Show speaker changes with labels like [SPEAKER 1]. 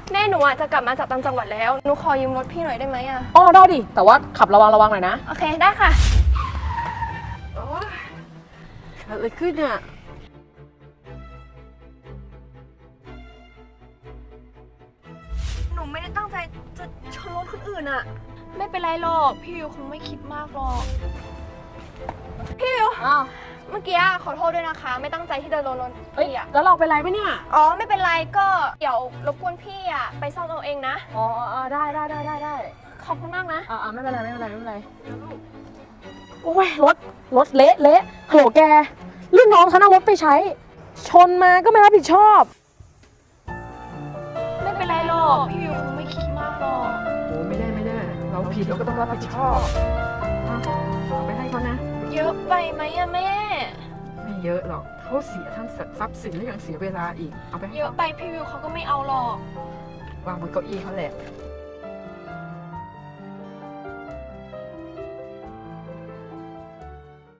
[SPEAKER 1] แม่หนูจะกลับมาจากต่างจังหวัดแล้วหนูขอยืมรถพี่หน่อยได้ไหมอะ
[SPEAKER 2] อ๋อได้ดิแต่ว่าขับระวังหน่อยนะ
[SPEAKER 1] โอเคได้ค่ะ
[SPEAKER 2] เกิดอะไรขึ้นเนี่ย
[SPEAKER 1] หนูไม่ได้ตั้งใจจะชนรถคนอื่นอะไม่เป็นไรหรอกพี่วิวคงไม่คิดมากหรอกพี่วิว
[SPEAKER 2] อ้าว
[SPEAKER 1] เมื่อกี้ขอโทษด้วยนะคะไม่ตั้งใจที่เดินรถ
[SPEAKER 2] เอ้ย
[SPEAKER 1] พี่อะ
[SPEAKER 2] แล้วเราเป็นไรปะเนี่ย
[SPEAKER 1] อ๋อไม่เป็นไรก็เดี๋ยวรบกวนพี่อะไปซ่อมเอาเองนะ
[SPEAKER 2] อ๋อได้
[SPEAKER 1] ขอบคุณมากนะ
[SPEAKER 2] ไม่เป็นไรโอ้ยรถเละฮัลโหลแกรุ่นน้องฉันเอารถไปใช้ ชนมาก็ไม่รับผิดชอบ
[SPEAKER 1] ไม่เป็นไรหรอกพี่วิวคงไม่คิดมากหรอก
[SPEAKER 2] โอ้ไม่ได้เราผิดเราก็ต้องรับผิดชอบเอาไปให้เขานะ
[SPEAKER 1] เยอะไปไหมอะแม่
[SPEAKER 2] ไม่เยอะหรอกเขาเสียทั้งทรัพย์สินและยังเสียเวลาอีกเอาไปให้
[SPEAKER 1] เยอะ
[SPEAKER 2] เขา
[SPEAKER 1] ไปพี่วิวเขาก็ไม่เอาหรอก
[SPEAKER 2] วางบนเก้าอี้เขาแหละ